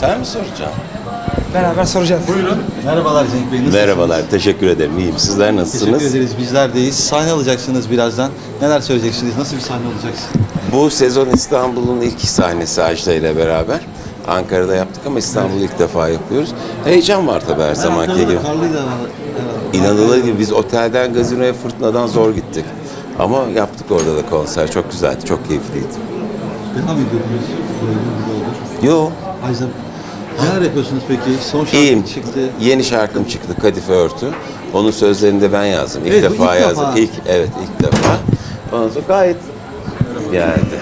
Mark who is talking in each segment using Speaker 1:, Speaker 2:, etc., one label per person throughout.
Speaker 1: Ben mi soracağım?
Speaker 2: Beraber soracağız.
Speaker 3: Buyurun. Merhabalar Cenk Bey. Nasılsınız?
Speaker 1: Merhabalar, teşekkür ederim. İyiyim. Sizler nasılsınız?
Speaker 3: Teşekkür ederiz. Bizler deyiz. Sahne alacaksınız birazdan. Neler söyleyeceksiniz? Nasıl bir sahne olacaksın?
Speaker 1: Bu sezon İstanbul'un ilk sahnesi Ajda ile beraber. Ankara'da yaptık ama İstanbul'u ilk defa yapıyoruz. Heyecan var tabii her zamanki gibi.
Speaker 3: Karlıydı ama.
Speaker 1: İnanılır gibi biz otelden gazinoya fırtınadan zor gittik. Ama yaptık orada da konser. Çok güzeldi, çok keyifliydi.
Speaker 3: Devam ediyordunuz.
Speaker 1: Yo,
Speaker 3: Ajda, neler yapıyorsunuz peki? Son şarkı
Speaker 1: iyiyim.
Speaker 3: çıktı.
Speaker 1: Yeni şarkım çıktı, Kadife Örtü. Onun sözlerini de ben yazdım. İlk
Speaker 3: Evet, bu
Speaker 1: defa
Speaker 3: ilk
Speaker 1: yazdım.
Speaker 3: defa.
Speaker 1: İlk defa. Ondan sonra gayet geldi.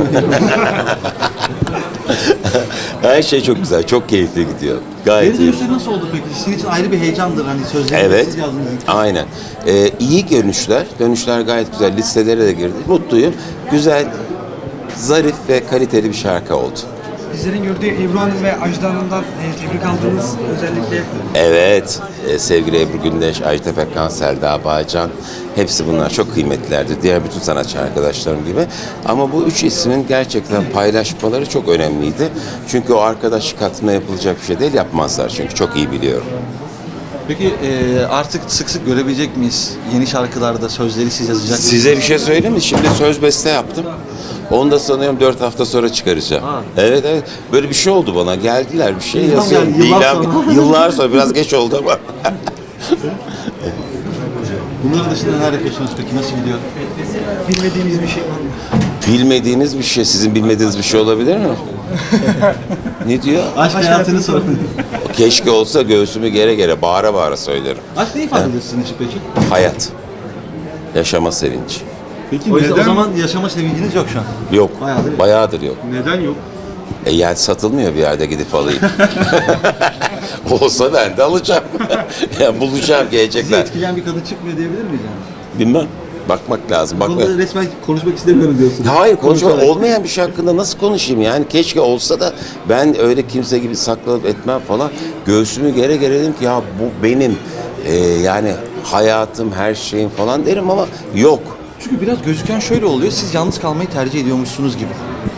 Speaker 1: Her şey çok güzel, çok keyifli gidiyor. Gayet
Speaker 3: Geri
Speaker 1: iyi.
Speaker 3: dönüşleri nasıl oldu peki? Sizin için ayrı bir heyecandır hani sözleri
Speaker 1: Evet,
Speaker 3: siz yazdınız.
Speaker 1: aynen. İyi dönüşler gayet güzel. Listelere de girdi. Mutluyum. Güzel, zarif ve kaliteli bir şarkı oldu.
Speaker 2: Bizlerin gördüğü Ebru Hanım ve Ajda Hanım'dan tebrik aldığınız özellikle
Speaker 1: Evet, sevgili Ebru Gündeş, Ajda Pekkan, Selda Bağcan, hepsi bunlar çok kıymetlilerdi. Diğer bütün sanatçı arkadaşlarım gibi. Ama bu üç ismin gerçekten paylaşmaları çok önemliydi. Çünkü o arkadaşlık hatırına yapılacak bir şey değil, yapmazlar çünkü çok iyi biliyorum.
Speaker 3: Peki artık sık sık görebilecek miyiz? Yeni şarkılarda sözleri siz yazacak mısınız?
Speaker 1: Size bir şey söyleyeyim mi? Şimdi söz beste yaptım. Onu da sanıyorum 4 hafta sonra çıkaracağım.
Speaker 3: Ha.
Speaker 1: Evet. Böyle bir şey oldu bana. Geldiler bir şey
Speaker 3: İlham
Speaker 1: yazıyor.
Speaker 3: geldi, yıllar sonra.
Speaker 1: Yıllar sonra. Biraz geç oldu ama.
Speaker 3: Bunların dışında neler yapıyorsunuz peki? Nasıl gidiyor?
Speaker 2: bilmediğimiz bir şey var mı?
Speaker 1: Bilmediğiniz bir şey, sizin bilmediğiniz bir şey olabilir mi? Ne diyor?
Speaker 3: Aşk hayatını sorun.
Speaker 1: Keşke olsa göğsümü gere gere, bağıra bağıra söylerim.
Speaker 3: Aşk ne ifade ediyor sizin için peki?
Speaker 1: Hayat. Yaşama sevinci.
Speaker 3: Peki o zaman yaşama sevinciniz yok şu an.
Speaker 1: Yok.
Speaker 3: Bayağıdır.
Speaker 1: Bayağıdır yok.
Speaker 3: Neden yok?
Speaker 1: Yani satılmıyor bir yerde gidip alayım. Olsa ben de alacağım. Yani bulacağım,
Speaker 3: Sizi
Speaker 1: gelecekler.
Speaker 3: etkileyen bir kadın çıkmıyor diyebilir miyiz yani?
Speaker 1: Bilmem. Bakmak lazım.
Speaker 3: Bu konuda resmen konuşmak istemiyorum diyorsunuz.
Speaker 1: Hayır, konuşma
Speaker 3: Konuşarak.
Speaker 1: olmayan bir şey hakkında nasıl konuşayım yani? Keşke olsa da ben öyle kimse gibi saklanıp etmem falan. Göğsümü gere gere dedim ki ya bu benim yani hayatım, her şeyim falan derim ama yok.
Speaker 3: Çünkü biraz gözüken şöyle oluyor. Siz yalnız kalmayı tercih ediyormuşsunuz gibi.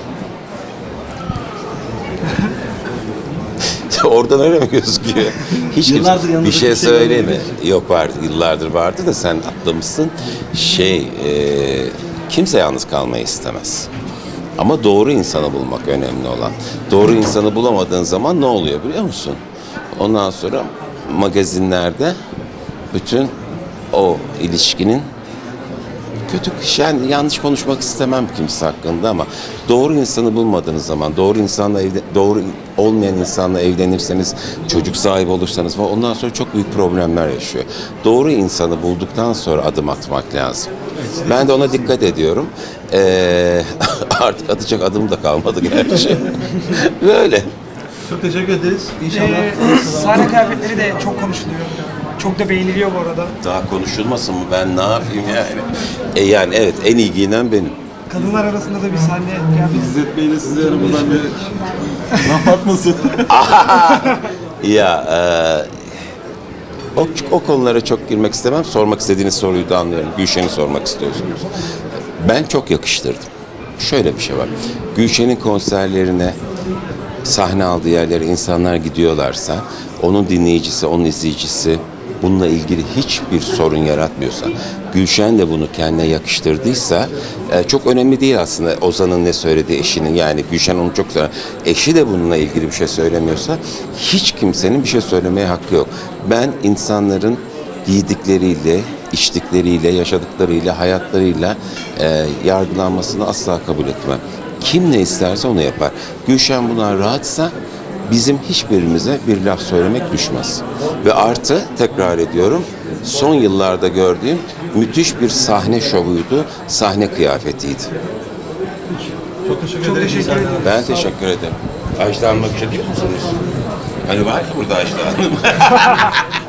Speaker 1: Oradan öyle mi gözüküyor? Hiç
Speaker 3: Yıllardır
Speaker 1: kimse
Speaker 3: yanınızda
Speaker 1: bir şey
Speaker 3: kimse
Speaker 1: söyleme.
Speaker 3: görmediğiniz
Speaker 1: Yok vardı, yıllardır vardı da sen atlamışsın. Kimse yalnız kalmayı istemez. Ama doğru insanı bulmak önemli olan. Doğru insanı bulamadığın zaman ne oluyor biliyor musun? Ondan sonra magazinlerde bütün o ilişkinin kötü, yani yanlış konuşmak istemem kimse hakkında ama doğru insanı bulmadığınız zaman, doğru olmayan insanla evlenirseniz, çocuk sahibi olursanız falan ondan sonra çok büyük problemler yaşıyor. Doğru insanı bulduktan sonra adım atmak lazım. Ben de ona dikkat ediyorum. Artık atacak adım da kalmadı gerçi. Böyle.
Speaker 3: Çok teşekkür ederiz. İnşallah.
Speaker 2: Sahne kıyafetleri de çok konuşuluyor. Çok da beğeniliyor bu arada.
Speaker 1: Daha konuşulmasın mı? Ben ne yapayım yani? Yani evet, en iyi giyinen benim.
Speaker 2: Kadınlar arasında da bir sahne kıyafeti.
Speaker 3: İzzet Bey'le size arabadan bir laf atmasın.
Speaker 1: Ya o konulara çok girmek istemem. Sormak istediğiniz soruyu da anlıyorum. Gülşen'i sormak istiyorsunuz. Ben çok yakıştırdım. Şöyle bir şey var. Gülşen'in konserlerine, sahne aldığı yerlere insanlar gidiyorlarsa, onun dinleyicisi, onun izleyicisi bununla ilgili hiçbir sorun yaratmıyorsa, Gülşen de bunu kendine yakıştırdıysa çok önemli değil aslında Ozan'ın ne söylediği eşinin, yani Gülşen onu çok sever. Eşi de bununla ilgili bir şey söylemiyorsa hiç kimsenin bir şey söylemeye hakkı yok. Ben insanların giydikleriyle, içtikleriyle, yaşadıklarıyla, hayatlarıyla yargılanmasını asla kabul etmem. Kim ne isterse onu yapar. Gülşen buna rahatsa bizim hiçbirimize bir laf söylemek düşmez. Ve artı, tekrar ediyorum, son yıllarda gördüğüm müthiş bir sahne şovuydu, sahne kıyafetiydi.
Speaker 3: Çok teşekkür
Speaker 2: Çok
Speaker 3: ederim.
Speaker 2: teşekkür ederim.
Speaker 1: Ben teşekkür ederim. Ajda Hanım'a bir şey diyor musunuz? Hani var ya burada Ajda Hanım.